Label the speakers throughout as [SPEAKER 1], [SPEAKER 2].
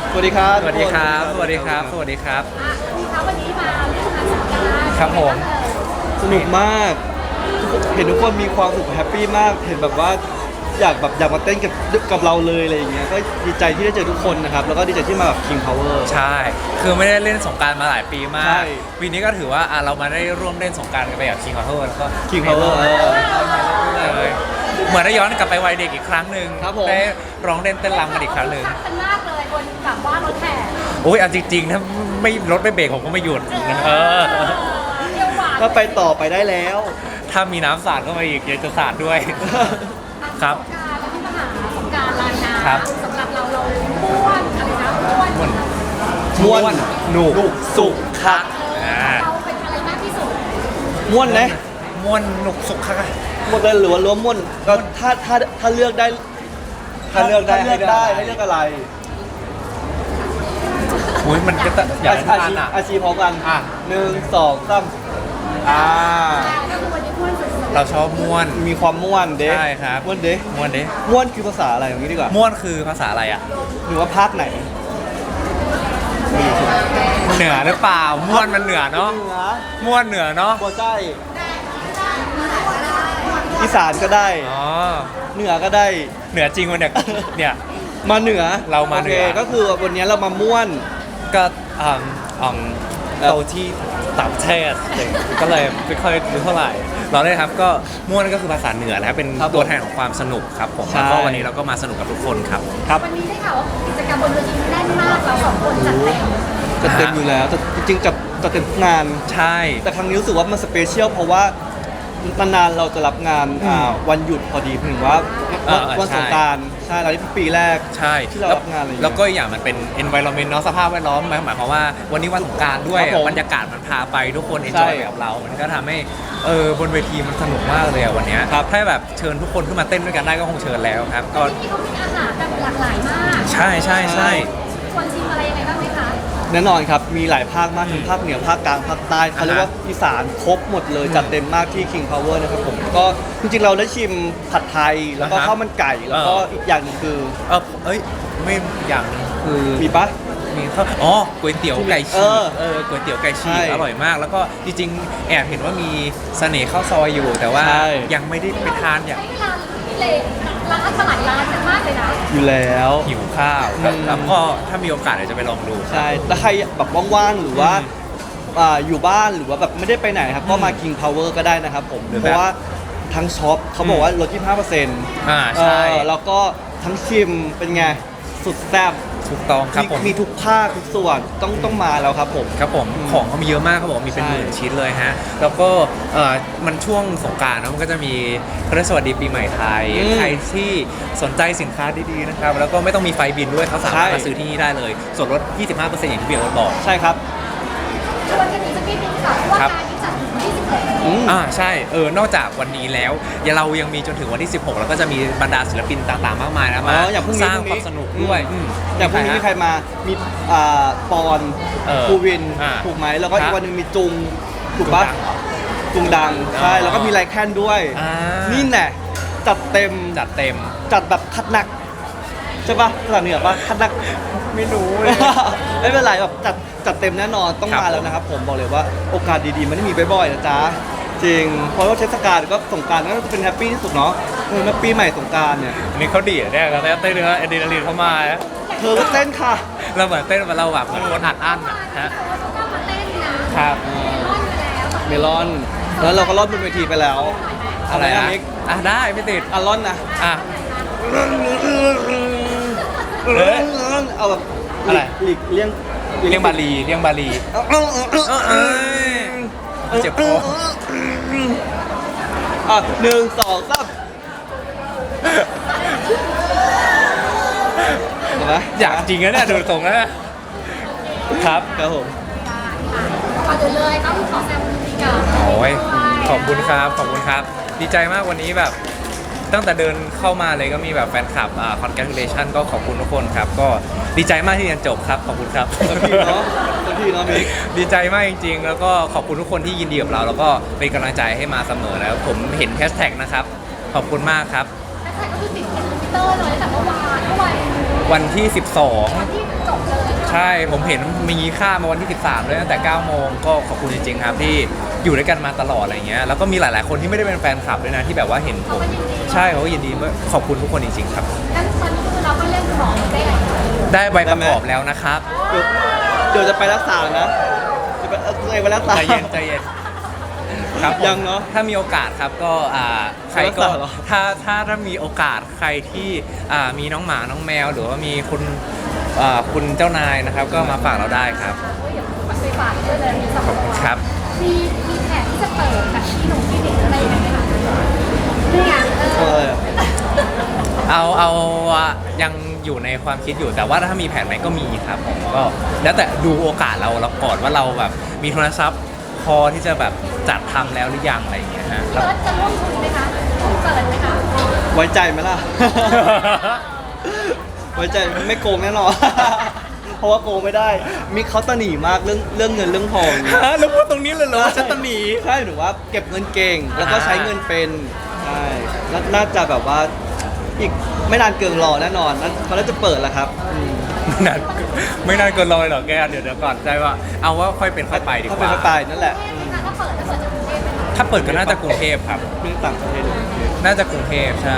[SPEAKER 1] สวัสดีครับ
[SPEAKER 2] สวัสดีครับ สวัสดีครับ สวัสดีครับ
[SPEAKER 3] วันนี้มาเล่นงานสงกรานต์
[SPEAKER 2] ครับผม
[SPEAKER 1] สนุกมาก เห็นทุกคนมีความสุขแฮปปี้มาก เห็นแบบว่าอยากมาเต้นกับเราเลยอะไรอย่างเงี้ย ก็ดีใจที่ได้เจอทุกคนนะครับ แล้วก็ดีใจที่มาแบบ King Power
[SPEAKER 2] ใช่ คือไม่ได้เล่นสงกรานต์มาหลายปีมา
[SPEAKER 1] ใช่
[SPEAKER 2] ก ปีนี้ก็ถือว่าเรามาได้ร่วมเล่นสงกรานต์กันไปกับ King Power แล้วก็
[SPEAKER 1] King Power
[SPEAKER 2] เลยเหมือนได้ย้อนกลับไปวัยเด็กอีกครั้งหนึ่ง
[SPEAKER 1] ครับผม
[SPEAKER 2] ได้ร้องเล่นเต้นรำกันอีกครั้งหนึ่ง
[SPEAKER 3] กันมากเลยบนแบบว่ารถแห่
[SPEAKER 2] โอ้ยเอาจริงๆถ้าไม่รถไม่เบรกผมก็ไม่หยุดเออ
[SPEAKER 3] เที่ยวหวาน
[SPEAKER 1] ก็ไปต่อไปได้แล้ว
[SPEAKER 2] ถ้ามีน้ำสาดเข้ามาอีกอยากจะสาดด้วย ครับ
[SPEAKER 3] สงกรานต์แล้วที่มาหาสงกรานต์ลายน้
[SPEAKER 2] ครับ
[SPEAKER 3] ำสำหรับเราม้วนอะไรนะม้วน
[SPEAKER 2] ม่วน
[SPEAKER 1] ม่วน
[SPEAKER 2] หนุก
[SPEAKER 1] สุขคัก
[SPEAKER 3] เราเป็นอะไรมากที่สุด
[SPEAKER 1] ม่วนนะ
[SPEAKER 2] ม่วนหนุกสุขค่ะ
[SPEAKER 1] หมดเลยหรือว่าล้มม่วนก็ถ้าเลือกได้ ให้เลือกอะไร
[SPEAKER 2] โอ้ยมันก็จะอยากให้ทานอ่ะ
[SPEAKER 1] อาชีพพร้อมกัน
[SPEAKER 2] อ่ะ
[SPEAKER 1] 1 2 3อ่า
[SPEAKER 3] ก็คือวันนี้ม้วนสุดๆ
[SPEAKER 2] เราชอบม่วน
[SPEAKER 1] มีความม่วนเด้
[SPEAKER 2] ใช่ครับ
[SPEAKER 1] ม่วนเด้
[SPEAKER 2] ม่วนเด้
[SPEAKER 1] ม่วนคือภาษาอะไรอย่างนี้ดีกว่า
[SPEAKER 2] ม่วนคือภาษาอะไรอ่ะ
[SPEAKER 1] หรือว่าภาคไหน
[SPEAKER 2] เหนือหรือเปล่า ม่วนมันเหนือเนาะ
[SPEAKER 1] เหนือ
[SPEAKER 2] ม่วนเหนือเนาะ
[SPEAKER 1] บัวไส้อีสานก็ได้
[SPEAKER 2] อ๋อ
[SPEAKER 1] เหนือก็ได้
[SPEAKER 2] เหนือจริงวันเนี่ยเนี่ย
[SPEAKER 1] มาเหนือ
[SPEAKER 2] เรามาเหนือ
[SPEAKER 1] โคก็คือวันนี้เรามาม่วน
[SPEAKER 2] ก็โตที่ต่างประเทศก็เลยไม่ค่อยรู้เท่าไหร่ เราได้ครับก็ม่วนก็คือภาษาเหนือนะครับเป็น
[SPEAKER 1] ครับผม
[SPEAKER 2] ตัวแทนของความสนุกครับผม
[SPEAKER 1] ใช่
[SPEAKER 2] แล้วก็วันนี้เราก็มาสนุกกับทุกคนครับ
[SPEAKER 1] ครับ
[SPEAKER 3] วันนี้ได้ข่าวว่ากิจกรรมบนเวทีแน่นมากเราสองคนจัดเต็ม
[SPEAKER 1] จะเต็มอยู่แล้วแต่จริงๆจะเต็มทุกงาน
[SPEAKER 2] ใช่
[SPEAKER 1] แต่ครั้งนี้รู้สึกว่ามันสเปเชียลเพราะว่านานๆเราจะรับงานวันหยุดพอดีถึงว่าวันสงกรานต์ใช่แล้วนี่เป็นปีแรก
[SPEAKER 2] ใช่
[SPEAKER 1] ที่เรารับงานอะไรอย่างเงี้ย
[SPEAKER 2] แล้วก็อีกอย่างมันเป็น environment เนาะสภาพแวดล้อมหมายความว่าวันนี้วันสงกรานต์ด้วย
[SPEAKER 1] ครับผม
[SPEAKER 2] บรรยากาศมันพาไปทุกคน
[SPEAKER 1] ใช่
[SPEAKER 2] enjoy ไปกับเรา มันก็ทำให้บนเวทีมันสนุกมากเลยอะวันเนี้ย
[SPEAKER 1] ครับ
[SPEAKER 2] ถ้าแบบเชิญทุกคนขึ้นมาเต้นด้วยกันได้ก็คงเชิญแล้วครับก็
[SPEAKER 3] ที่เขามีอาหารแบบหลากหลายมาก
[SPEAKER 2] ใช่ใช่ใช่
[SPEAKER 3] ควรชิมอะไรยังไงบ้างไหมคะ
[SPEAKER 1] แน่นอนครับมีหลายภาคมากทั้งภาคเหนือภาคกลางภาคใต้เขาเรียกว่าอีสานครบหมดเลยจัดเต็มมากที่ King Power นะครับผมก็จริงๆเราได้ชิมผัดไทยแล้วก็ข้าวมันไก่แล้วก็อีกอย่างหนึงคือ
[SPEAKER 2] ไม่อย่างหนึงคือ
[SPEAKER 1] มีปะ
[SPEAKER 2] มีข้าวก๋วยเตี๋ยวไก่ฉีก ก๋วยเตี๋ยวไก่ฉีก
[SPEAKER 1] ใช่
[SPEAKER 2] อร่อยมาก แล้วก็จริงๆแอบเห็นว่ามีเสน่ห์ข้าวซอยอยู่ แต่ว่า
[SPEAKER 1] ใช่
[SPEAKER 2] ยังไม่ได้ไปทานอย่าง
[SPEAKER 3] ใช้เวลาที่เลร้านมาหลายร้านกันมากเลยนะ
[SPEAKER 1] อยู่แล้ว
[SPEAKER 2] หิวข้าวแล้วก็ถ้ามีโอกาสเดี๋ยวจะไปลองดู
[SPEAKER 1] ใช่แล้วใครแบบว่างๆหรือว่าอยู่บ้านหรือว่าแบบไม่ได้ไปไหนครับก็มา King Power ก็ได้นะครับผม
[SPEAKER 2] หรือ
[SPEAKER 1] เพ
[SPEAKER 2] แบบ
[SPEAKER 1] ราะว่าทั้งช็อปเขาบอกว่าลด 25%
[SPEAKER 2] ใช่
[SPEAKER 1] แล้วก็ทั้งชิมเป็นไงสุดแซ่บ
[SPEAKER 2] ถูกต้องครับผม
[SPEAKER 1] มีทุกภาคทุกส่วนต้องมาแล้วครับผม
[SPEAKER 2] ครับผมของเขามีเยอะมากเขาบอกมีเป็น
[SPEAKER 1] ใช่
[SPEAKER 2] หมื่นชิ้นเลยฮะ แล้วก็มันช่วงสงกรานต์นะมันก็จะมีพระสวัสดีปีใหม่ไทย ใครที่สนใจสินค้าดีๆนะครับ แล้วก็ไม่ต้องมีไฟบินด้วยเขาสามารถมาซื้อที่นี่ได้เลย ส่วนลด 25%อย่างที่เบียร์บอก
[SPEAKER 1] ใช่ครับ
[SPEAKER 3] ชวนกันอีกสักนิดนึงค่ะเพราะว่า
[SPEAKER 2] ครับ
[SPEAKER 3] การที่จัดถึงวันที่16
[SPEAKER 1] อืม
[SPEAKER 2] ใช่ นอกจากวันนี้แล้วเรายังมีจนถึงวันที่ 16 แล้วก็จะมีบรรดาศิลปินต่างๆ มากมายนะมา
[SPEAKER 1] อย่างพรุ่งนี้
[SPEAKER 2] สร้างความสนุกด้วย
[SPEAKER 1] อย่างพรุ่งนี้มีใครมามีปอน ภูวินถูกไหมแล้วก็อีกวันหนึ่งมีจุงถูกปะจุงดังใช่แล้วก็มีไลแคนด้วย นี่แหละจัดเต็ม
[SPEAKER 2] จัดเต็ม
[SPEAKER 1] จัดแบบคัดหนักใช่ปะภาษาเหนือปะคัดหนัก
[SPEAKER 2] ไม่รู้เลย
[SPEAKER 1] ไม่เป็นไรแบบจัดเต็มแน่นอนต้อง
[SPEAKER 2] ครับ
[SPEAKER 1] มาแล้วนะครับผมบอกเลยว่าโอกาสดีๆมันไม่มีบ่อยๆนะจ๊ะจริงเพราะว่าเทศกาลก็สงกรานต์ก็เป็นแฮปปี้ที่สุดเนาะแล้วปีใหม่สงกรานต์เนี่ย
[SPEAKER 2] อันนี้เขาดีดเนี่ยแล้วเต้นเนื้ออะดรีนาลีนเข้ามา
[SPEAKER 1] เธอก็เต้นค่ะ
[SPEAKER 2] เราเหมือนเต้นเราแบบเหมือนคนอัดอั้นอะฮะ
[SPEAKER 3] เขาก็มาเต้นนะครับ
[SPEAKER 1] เมลอนแล้วเราก็รอดบนเวทีไปแล้ว
[SPEAKER 2] อะไร
[SPEAKER 1] นะ
[SPEAKER 2] นะ
[SPEAKER 1] มิก
[SPEAKER 2] ได้ไม่ติด
[SPEAKER 1] อารอนนะ
[SPEAKER 2] อ่ะ
[SPEAKER 1] เอาแบบ
[SPEAKER 2] อะไร
[SPEAKER 1] หลีกเลี่ยง
[SPEAKER 2] เรียงบาลีเรียงบาลีเจ็บคอ
[SPEAKER 1] 1 2 3เห็นไหม
[SPEAKER 2] อยากจริงนะเนี่ยดูตรงนะครับ
[SPEAKER 1] ครับผม
[SPEAKER 3] ก่อนอื่นเลยต้องขอแซมดีกับ
[SPEAKER 2] โอ้ยขอบคุณครับขอบคุณครับ ดีใจมากวันนี้แบบตั้งแต่เดินเข้ามาเลยก็มีแบบแฟนคลับcongratulation ก็ขอบคุณทุกคนครับ ก็ดีใจมากที่เรียนจบครับขอบคุณครับ
[SPEAKER 1] สักทีเนาะสักทีเนาะมิก
[SPEAKER 2] ดีใจมากจริงๆ แล้วก็ขอบคุณทุกคนที่ยินดีกับเรา แล้วก็เป็นกำลังใจให้มาเสมอแล้วผมเห็นแฮชแท็กนะครับ ขอบคุณมากครับ
[SPEAKER 3] แฮชแท็กก็คือติดเป็นทวิตเตอร์เลยตั้งแต่เมื่อวาน
[SPEAKER 2] วันที่ 12
[SPEAKER 3] วันที่จบเลย
[SPEAKER 2] ใช่ผมเห็นมีค่ามาวันที่ 13เลยตั้งแต่ 9 โมงก็ขอบคุณจริงๆครับที่อยู่ด้วยกันมาตลอดอะไรเงี้ยแล้วก็มีหลายๆคนที่ไม่ได้เป็นแฟนคลับด้วยนะที่แบบว่าเห็นผมใช่เขาก็ยินดีขอบคุณทุกคนจริงๆครับ
[SPEAKER 3] งั้นตอนนี้คือเราก็เริ่มบอกได้เลย
[SPEAKER 2] ได้ใบประกอบแล้วนะครับ
[SPEAKER 1] เดี๋ยวจะไปรักษานะจะไปรักษา
[SPEAKER 2] ใจเย็นใจเย็นครับผม
[SPEAKER 1] ยังเนอะ
[SPEAKER 2] ถ้ามีโอกาสครับก็ใครก็
[SPEAKER 1] รักษาเหรอ
[SPEAKER 2] ถ้ามีโอกาสใครที่มีน้องหมาน้องแมว หรือว่ามีคุณเจ้านายนะครับ ก็มาฝากเราได้ครับ
[SPEAKER 3] เดี๋ยวไปฝากด้วยเลยมีสองตัว
[SPEAKER 2] ครับ
[SPEAKER 3] มีแผนที่จะเปิดแบบที่หนุ่มที่เด็กอะไรอย่างเงี้ยไหมคะนี่ไง
[SPEAKER 1] เออ
[SPEAKER 2] เอายังอยู่ในความคิดอยู่แต่ว่าถ้ามีแผนไหนก็มีครับผมก็แล้วแต่ดูโอกาสเราก่อนว่าเราแบบมีทุนทรัพย์พอที่จะแบบจัดทำแล้วหรือยังอะไรอย่างเงี้ยฮะ
[SPEAKER 3] เปิดจะร่วมทุนไหมคะเปิดไหมคะ
[SPEAKER 1] ไว้ใจไหมล่ะ ไว้ใจไม่โกงแน่นอน เพราะว่าโกงไม่ได้ มิกเขาตะหนีมากเรื่องเงินเรื่องทองเนี่ย
[SPEAKER 2] แล้วพูดตรงนี้เลยเหรอฉันตะหนี
[SPEAKER 1] ใช่หรือว่าเก็บเงินเก่ง แล้วก็ใช้เงินเป็นใช่น่าจะแบบว่าอีกไม่นานเกินรอแน่นอนเขาน่าจะเปิดแล้วครับ
[SPEAKER 2] ไม่นานเกินรอยหรอกแกเดี๋ยวก่อนใจว่าเอาว่าค่อยเป็นค่อยไปดีก
[SPEAKER 1] เขาเป็น
[SPEAKER 2] ว่า
[SPEAKER 1] เขาตายนั่นแหละ
[SPEAKER 3] ถ้าเปิดจะเปิดจะกรุงเทพไหมคะ
[SPEAKER 2] ถ้าเปิดก็น่าจะกรุงเทพครับ
[SPEAKER 1] เรื่องต่างประเทศ
[SPEAKER 2] น่าจะกรุงเทพใช่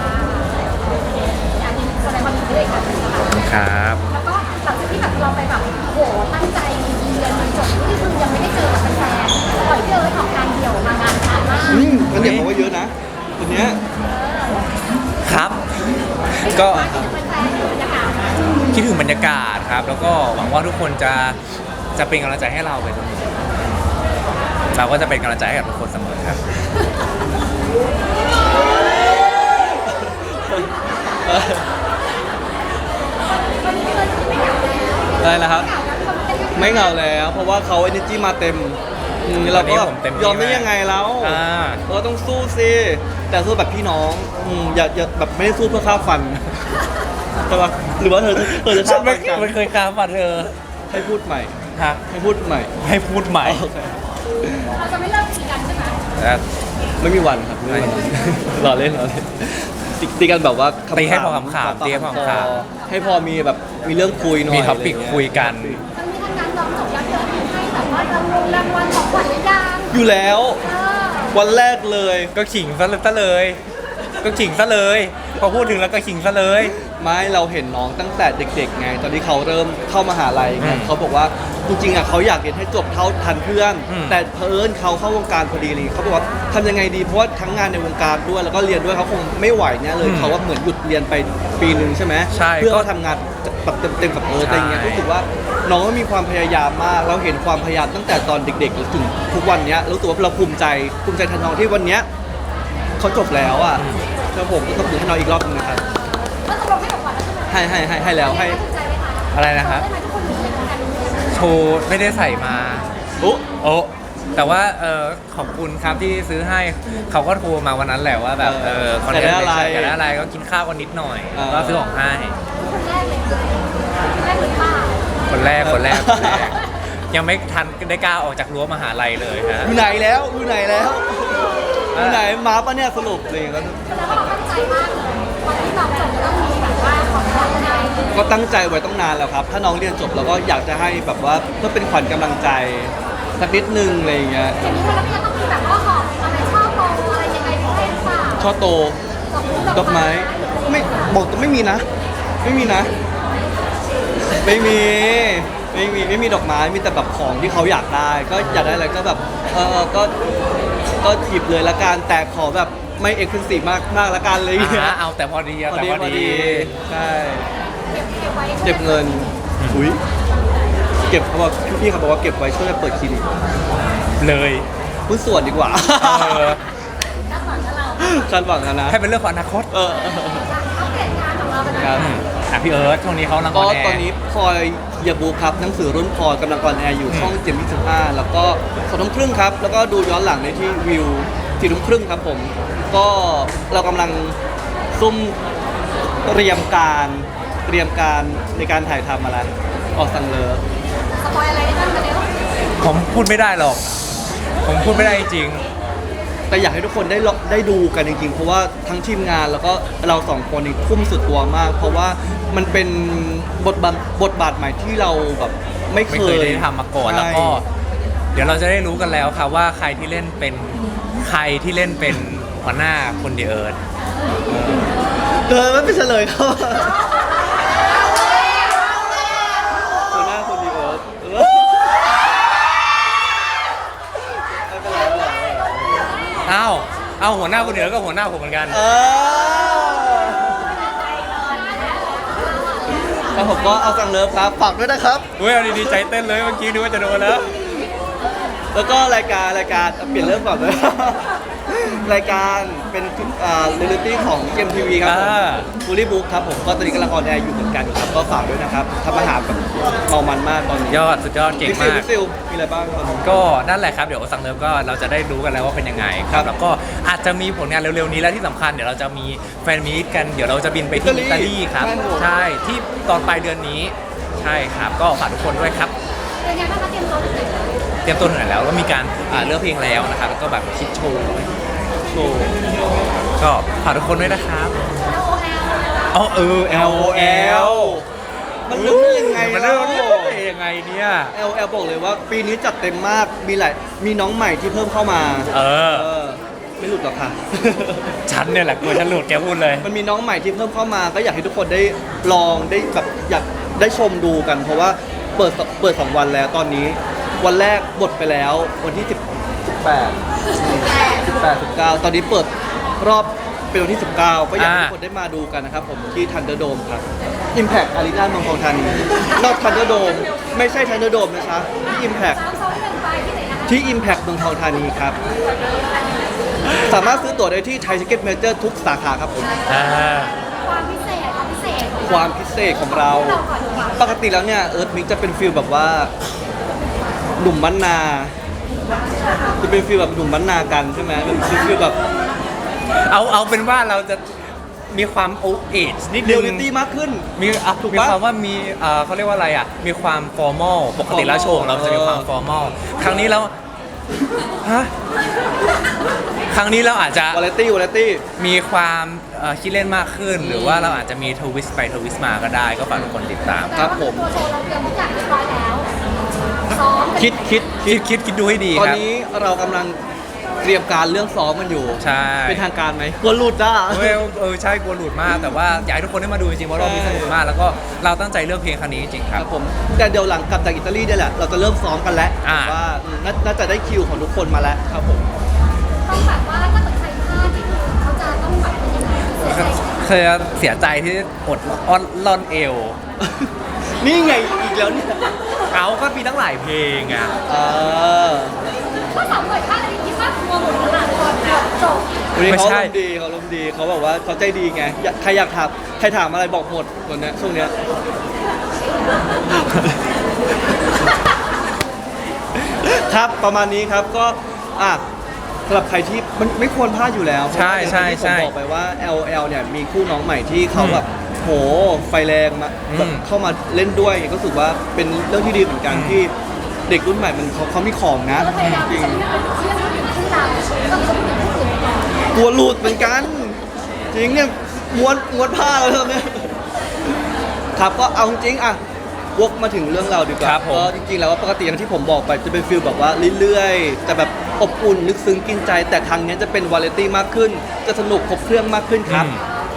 [SPEAKER 3] อันนี้แสดงความยินดีด้วยค่ะ
[SPEAKER 2] ครับ
[SPEAKER 3] แล้วก็หลังจากที่แบบเราไปแบบโหตั้งใจเรียนมันจบนี่คือยังไม่ได้เจอกับแฟนๆปล่อยเจอออกงานเดี่ยวมางานช้ามาก
[SPEAKER 1] งั้นเดี๋ยวผมว่าเยอะนะคนเนี้ย
[SPEAKER 2] ครับ ก็
[SPEAKER 3] แฟนๆบรรยากาศ
[SPEAKER 2] คิดถึงบรรยากาศครับ แล้วก็หวังว่าทุกคนจะเป็นกำลังใจให้เราไปเสมอเราก็จะเป็นกำลังใจให้กับทุกคนเสมอครับ
[SPEAKER 1] อะไรนะครับ ไม่เหงาแล้ว เพราะว่าเขา energy มาเต็มเราก็
[SPEAKER 2] วันนี้ผมเต็มที่
[SPEAKER 1] ยอมได้ยังไงแล้ว
[SPEAKER 2] อ่า
[SPEAKER 1] เราต้องสู้สิแต่สู้แบบพี่น้องอย่าแบบไม่ได้สู้เพื่อฆ่าฟันใช่ปะหรือว่าเธอจะ
[SPEAKER 2] ฉั
[SPEAKER 1] ฆ่าน ฟั
[SPEAKER 2] ไม่
[SPEAKER 1] นกัน
[SPEAKER 2] ไม่เคยค้าฝันเธอ
[SPEAKER 1] ให้พูดใหม่
[SPEAKER 2] ฮะ
[SPEAKER 1] ให้พูดใหม่
[SPEAKER 2] ให้พูดใหม่
[SPEAKER 1] โอเค
[SPEAKER 3] เราจะไม่เลิกตีกันใช่ไหม
[SPEAKER 1] ไม่มีวันครับไม่มีวันรอเล่นตีกันแบบว่าขำๆ
[SPEAKER 2] ตีให้พอขำๆตีให้พอขำ
[SPEAKER 1] ให้พอมีแบบมีเรื่องคุยหน่อย
[SPEAKER 2] มีท็อปิก
[SPEAKER 1] ะไรเงี้
[SPEAKER 2] คุยกัน
[SPEAKER 3] ทั้งนี้ทั้งนั้นน้องจบยอดเยี่ยมให้แบบว่ารางวัลของขวัญหรือยัง
[SPEAKER 1] อยู่แล้ว วันแรกเลย
[SPEAKER 2] ก็ขิงซะเลย ก็ขิงซะเลย พอพูดถึงแล้วก็ขิงซะเลย
[SPEAKER 1] ไม่เราเห็นน้องตั้งแต่เด็กๆไง ตอนที่เขาเริ่มเข้ามหาลัยไง
[SPEAKER 2] อืม
[SPEAKER 1] เขาบอกว่าจริงๆอ่ะเขาอยากเรียนให้จบเท่าทันเพื่อน
[SPEAKER 2] อืม
[SPEAKER 1] แต่เพิ่นเขาเข้าวงการพอดีเลยเขาบอกว่าทำยังไงดีเพราะว่าทั้งงานในวงการด้วยแล้วก็เรียนด้วยเขาคงไม่ไหวเนี่ยเลยเขาว่าเหมือนหยุดเรียนไปปีหนึ่งใช่ไหม
[SPEAKER 2] ใช่
[SPEAKER 1] เพื่อมาทำงานแบบเต็มๆกับอะไรเงี้ย
[SPEAKER 2] ใช่
[SPEAKER 1] รู้สึกว่าน้องก็มีความพยายามมากเราเห็นความพยายามตั้งแต่ตอนเด็กๆถึงทุกวันเนี้ยรู้สึกว่าเราภูมิใจแทนน้องที่วันเนี้ยเขาจบแล้วอ่ะแล้วผมก็ต้องดูให้น้องอีกรอบนึงนะครับ
[SPEAKER 3] ก็ตกลงให้ของขวัญแล้วใช่ไหม
[SPEAKER 1] ให้แล้วให้
[SPEAKER 3] ภูมิใจไหมคะ
[SPEAKER 2] อะไรนะครับ
[SPEAKER 3] ได้ไหมทุกคนมีเหมือนกัน
[SPEAKER 2] โชว์ไม่ได้ใส่มา
[SPEAKER 1] โอ้
[SPEAKER 2] โอ้แต่ว่าขอบคุณครับที่ซื้อให้เขาก็โทรมาวันนั้นแหละว่าแบบคอนเทนต์อยากได้อะไรก็กินข้าวกันนิดหน่อยก็ซื้อของให้
[SPEAKER 3] คนแรกเลยคนแรกหรือเปล่า
[SPEAKER 2] คนแรกยังไม่ทันได้กล้าออกจากรั้วมหาลัยเลยฮะ
[SPEAKER 1] อยู่ไหนแล้วอยู่ไหนแล้วอยู่ไหนมาปะเนี่ยสรุปอะไรอย่างเงี้ย
[SPEAKER 3] แสดงว่าเราตั้งใจมากเลยวันที่เราจบจะต้องมีแบบว่าของขวัญอะไร
[SPEAKER 1] ก็ตั้งใจไว้ต้องนานแล้วครับ ถ้าน้องเรียนจบเราก็อยากจะให้แบบว่าเพื่อเป็นขวัญกำลังใจสักนิดนึงอะไรอย่างเงี้ย
[SPEAKER 3] อย่างนี้มันก็จะต้องมีแบบว่าหอมอะไรช่อโตอะไรยังไงให้หรือเปล่า
[SPEAKER 1] ช่อโตดอกไม้ไม่บอกตัวไม่มีนะ ไม่มีนะ ไม่มีดอกไม้มีแต่แบบของที่เขาอยากได้ ก็อยากได้อะไรก็แบบก็หยิบเลยละกันแต่ขอแบบไม่เอ็กซ์คลูซีฟมากละกันเลยางเงี้ย
[SPEAKER 2] เอาแต่พอดี
[SPEAKER 1] พอ
[SPEAKER 2] แต่
[SPEAKER 1] ดี
[SPEAKER 2] พอ
[SPEAKER 1] พอ
[SPEAKER 2] ดี
[SPEAKER 1] ดีใช่
[SPEAKER 3] เก็บไว้
[SPEAKER 1] เก็บเงินอุ้ยเก็บเขาบอกพี่เขาบอกว่าเก็บไว้ช่วยเปิดคลินิก
[SPEAKER 2] เลย
[SPEAKER 1] หุ้นส่วนดีกว่า
[SPEAKER 3] ด้านหลังกับเรา
[SPEAKER 1] ฉันหวังนะ
[SPEAKER 2] ให้เป็นเรื่องของอนาคต
[SPEAKER 3] อัปเดตงานของเราเป็น
[SPEAKER 1] ค
[SPEAKER 3] ยั
[SPEAKER 1] รับ
[SPEAKER 3] งไง
[SPEAKER 2] พี่เอิร์ธช่วงนี้เขาลังอ
[SPEAKER 1] ก็
[SPEAKER 2] อนแอร์
[SPEAKER 1] ตอนนี้พลอยเหยาบูครับหนังสือรุ่นพลอยกำลังออนแอร์อยู่ช่องเจม25แล้วก็2:30ครับแล้วก็ดูย้อนหลังในที่วิว4:30ครับผม ก็เรากำลังซุ่มเตรียมการในการถ่ายทำอะไรออกสังเลิฟ
[SPEAKER 3] สปอยอะไรได้บ้างกันเร็ว
[SPEAKER 2] ผมพูดไม่ได้หรอก ผมพูดไม่ได้จริง
[SPEAKER 1] แต่อยากให้ทุกคนได้ดูกันจริงๆเพราะว่าทั้งทีมงานแล้วก็เราสองคนนี่ทุ่มสุดตัวมาก เพราะว่ามันเป็นบทบาทใหม่ที่เราแบบไม่
[SPEAKER 2] ไม่
[SPEAKER 1] เค
[SPEAKER 2] เคย
[SPEAKER 1] ย
[SPEAKER 2] ได้ทำมาก่อน
[SPEAKER 1] ใช่
[SPEAKER 2] แล้วก็ เดี๋ยวเราจะได้รู้กันแล้วครับว่าใครที่เล่นเป็นหัวหน้าคนเดียร์
[SPEAKER 1] ไม่เป็นเฉลยครับหัวหน้าคนดีเอิร์ธไม่เป็นไรไม่เป็นไร
[SPEAKER 2] เอาหัวหน้าคนเดียร์ก็หัวหน้าผมเหมือนกัน
[SPEAKER 1] แล้วผมก็เอาสั่งเลิฟครับฝากด้วยนะครับ
[SPEAKER 2] เฮ้ยเอาดีๆใจเต้นเลยเมื่อกี้นึกว่าจะโดนแล้ว
[SPEAKER 1] แล้วก็รายการเปลี่ยนเรื่องก่อนเลย รายการเป็นเรียลลิตี้ของ GMTV ครับผม ฟูลี่บุ๊กครับผมก็ตอนนี้กำลังออนแอร์อยู่เหมือนกันครับก็ฝากด้วยนะครับทำอาหารแบบเมามันมากตอนนี้
[SPEAKER 2] สุดยอดเก่ง
[SPEAKER 1] พี่ซิ
[SPEAKER 2] มา
[SPEAKER 1] ล
[SPEAKER 2] ก
[SPEAKER 1] พี่ซิลมีอะไรบ้างตอนนี้
[SPEAKER 2] ก็นั่นแหละครับเดี๋ยวสั่งเริ่มก็เราจะได้รู้กันแล้วว่าเป็นยังไงค
[SPEAKER 1] ครั
[SPEAKER 2] รับบ แล้วก็อาจจะมีผลงานเร็วๆนี้และที่สำคัญเดี๋ยวเราจะมีแฟนมีตกันเดี๋ยวเราจะบินไปที่อิตาลีครับ ใช่ที่ตอนปลายเดือนนี้ใช่ครับก็ฝากทุกคนด้วยครับ
[SPEAKER 3] เป็นยังไงบ้างคะเตรียมตัวถึงไหนแล้ว
[SPEAKER 2] เตรียมตัวถึงไหนแล้วก็มีการเลือกเพลงแล้วนะครับแล้วก็แบบคิดโชว์ก็ฝากทุกคนด้วยนะครับอ๋อLOL
[SPEAKER 1] มันเรื่องยังไง
[SPEAKER 2] มัน
[SPEAKER 1] แล้
[SPEAKER 2] เรื่
[SPEAKER 1] ว
[SPEAKER 2] องยังไงเนี่ย
[SPEAKER 1] LL บอกเลยว่าปีนี้จัดเต็มมากมีน้องใหม่ที่เพิ่มเข้ามา
[SPEAKER 2] เออ
[SPEAKER 1] ไม่หลุดหรอกค่ะ
[SPEAKER 2] ฉันเนี่ยแหละกลัวฉันหลุดแกพูดเลย
[SPEAKER 1] มันมีน้องใหม่ที่เพิ่มเข้ามาก็อยากให้ทุกคนได้ลองได้แบบอยากได้ชมดูกัน เพราะว่าเปิด2 วันแล้วตอนนี้ วันแรกบทไปแล้ววันที่18 19ตอนนี้เปิดรอบเป็นวันที่ 19 ก็อยากให้ทุกคนได้มาดูกันนะครับผมที่ Thunderdome ครับ Impact Arena เมืองทองธานีนอก Thunderdome ไม่ใช่ Thunderdome นะคะที่ Impact
[SPEAKER 3] ซ้อม1ไปที่ไหนนะคะ
[SPEAKER 1] ที่ Impact เมืองทองธานีครับ สามารถซื้อตั๋วได้ที่ Thai Ticket Major ทุกสาขาครับผม
[SPEAKER 3] ความพิเศษของ
[SPEAKER 1] ความพิเศษของเรา
[SPEAKER 3] เราก่อนดีกว่า
[SPEAKER 1] ปกติแล้วเนี่ยเอิร์ธมิกจะเป็นฟิลแบบว่าหนุ่มบ้านนาจะเป็นฟิลแบบหนุ่มบ้านนากันใช่ไหมเป็นฟิลแบบ
[SPEAKER 2] เอาเป็นว่าเราจะมีความโอเอจนิด
[SPEAKER 1] เรี
[SPEAKER 2] นึ
[SPEAKER 1] ยล
[SPEAKER 2] ง
[SPEAKER 1] ลิตี้มากขึ้น
[SPEAKER 2] มี
[SPEAKER 1] ถูก
[SPEAKER 2] มี
[SPEAKER 1] ปะ
[SPEAKER 2] ความว่ามีเขาเรียกว่าอะไรอ่ะมีความฟอร์มอลปกติแล้วโชว์ของเราจะมีความฟอร์มอลครั้งนี้แล้วฮะครั้งนี้เราอาจจะ
[SPEAKER 1] วาไรตี้
[SPEAKER 2] มีความคิดเล่นมากขึ้น หรือว่าเราอาจจะมีทวิสต์ไปทวิสต์มาก็ได้ก็ฝากทุกคนติดตาม
[SPEAKER 1] ครับผม
[SPEAKER 3] ตัวโชว์เราเตรียมทุกอย่างเรียบร้อยแล้วซ้อม
[SPEAKER 2] คิดดูให้ดี
[SPEAKER 1] ตอน
[SPEAKER 2] ครับ
[SPEAKER 1] นี้เรากำลังเตรียมการเรื่องซ้อมมันอยู่
[SPEAKER 2] ใช่
[SPEAKER 1] เป็นทางการไหมกลัวหลุดอ่ะ
[SPEAKER 2] ใช่กลัวหลุดมากแต่ว่าอยากให้ทุกคนได้มาดูจริงๆเพราะรอบนี้สนุกมากแล้วก็เราตั้งใจเลือกเพลงครั้งนี้จริงๆค
[SPEAKER 1] ค
[SPEAKER 2] รั
[SPEAKER 1] รับ บผมแต่เดี๋ยวหลังกลับจากอิตาลีเนี่ยแหละเราจะเริ่มซ้อมกันแล้ว
[SPEAKER 2] อ่า
[SPEAKER 1] ว่าน่าจะได้คิวของทุกคนมาแล้วครับผม
[SPEAKER 3] ต้องแบบว่าถ้าเกิดใครพลาดนี่คือเขาจะต้องแบบเป็นยังไงเสียใจ
[SPEAKER 2] เคยเสียใจที่อดอ้อนล่อนเอว
[SPEAKER 1] นี่ไงอีกแล้วเนี่ย
[SPEAKER 2] เอาก็มีตั้งหลายเพลงอ่ะ
[SPEAKER 1] เออ
[SPEAKER 3] ถ้าสาวหน่อยพลาดอะไรคิดว่ากลัวหมดขนาดก่อนจบ
[SPEAKER 1] วันนี้
[SPEAKER 2] ไม่
[SPEAKER 1] เขา
[SPEAKER 2] ใช่
[SPEAKER 1] ลมณ์ดีเขาบอกว่าเขาใจดีไงใครอยากถามใครถามอะไรบอกหมดตอนเนี้ยช่วงเนี้ย ครับประมาณนี้ครับก็สำหรับใครที่มันไม่ควรพลาดอยู่แล้ว
[SPEAKER 2] ใช่ใช่
[SPEAKER 1] เพราะว่าอย่างที่ผมบอกไปว่า LL เนี่ยมีคู่น้องใหม่ที่เขาแบบโหไฟแรงมาแบบเข้ามาเล่นด้วยก็รู้สึกว่าเป็นเรื่องที่ดีเหมือนกันที่เด็กรุ่นใหม่มันเขามีของนะ
[SPEAKER 3] เราพยายาม
[SPEAKER 1] จริง
[SPEAKER 3] จะไม่เป็นเชื่อผู้หญิงที่เราต้องเป็นผู้หญิงที่อื่นก่อน
[SPEAKER 1] กลัวหลุดเหมือนกัน จริงเนี่ยม้วนผ้าแล้วตอนเนี้ยครับก็เอาจริงวกมาถึงเรื่องเราดีกว่า
[SPEAKER 2] ครับผม
[SPEAKER 1] ก็จริงๆแล้วว่าปกติอย่างที่ผมบอกไปจะเป็นฟิลแบบว่าเรื่อยๆแต่แบบอบอุ่นลึกซึ้งกินใจ แต่ครั้งนี้จะเป็นวาไรตี้มากขึ้น จะสนุกครบเครื่องมากขึ้นครับ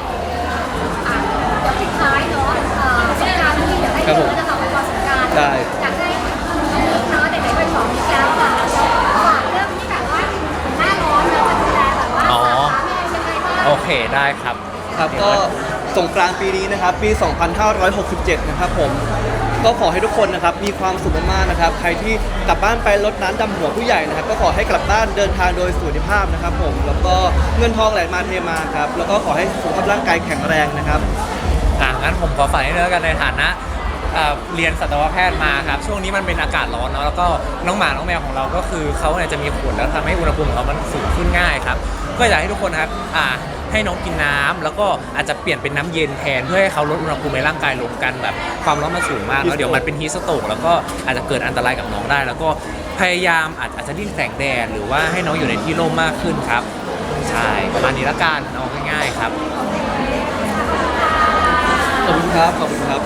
[SPEAKER 3] เดี๋ยวปิดท้ายเนาะสงกรานต์ที่เดี๋ยวให้เยอะนะคะวันสงกรานต์
[SPEAKER 1] ได้
[SPEAKER 3] อยากให้เนาะเด็กๆไปสอนอีกแล้วค่ะฝากเรื่องที่แบบว่าหน้าร้อนเราจะดูแลแบบว่าสาขาแม่ยังไงบ้าง
[SPEAKER 2] โอเคได้ครับ
[SPEAKER 1] ครับก็สงกรานต์ปีนี้นะครับปี 2567 นะครับผมก็ขอให้ทุกคนนะครับมีความสุขมากๆนะครับใครที่กลับบ้านไปรดน้ำดำหัวผู้ใหญ่นะครับก็ขอให้กลับบ้านเดินทางโดยสุขภาพนะครับผมแล้วก็เงินทองไหลมาเทมาครับแล้วก็ขอให้สุขภาพร่างกายแข็งแรงนะครับ
[SPEAKER 2] งั้นผมขอฝากให้เนื้อกันในฐานะเรียนสัตวแพทย์มาครับช่วงนี้มันเป็นอากาศร้อนเนาะแล้วก็น้องหมาน้องแมวของเราก็คือเขาเนี่ยจะมีขนแล้วทำให้อุณหภูมิของเขามันสูงขึ้นง่ายครับก็อยากให้ทุกคนนะครับให้น้องกินน้ำแล้วก็อาจจะเปลี่ยนเป็นน้ำเย็นแทนเพื่อให้เขาลดอุณหภูมิในร่างกายลงกันแบบความร้อนมันสูงมากแล้วเดี๋ยวมันเป็นฮีสโตรกแล้วก็อาจจะเกิดอันตรายกับน้องได้ แล้วก็พยายามอาจจะดิ้นแสงแดดหรือว่าให้น้องอยู่ในที่ร่มมากขึ้นครับใช่ประมาณนี้ละกันเอาง่ายๆครับ
[SPEAKER 1] ขอบคุณครับขอบคุณครับ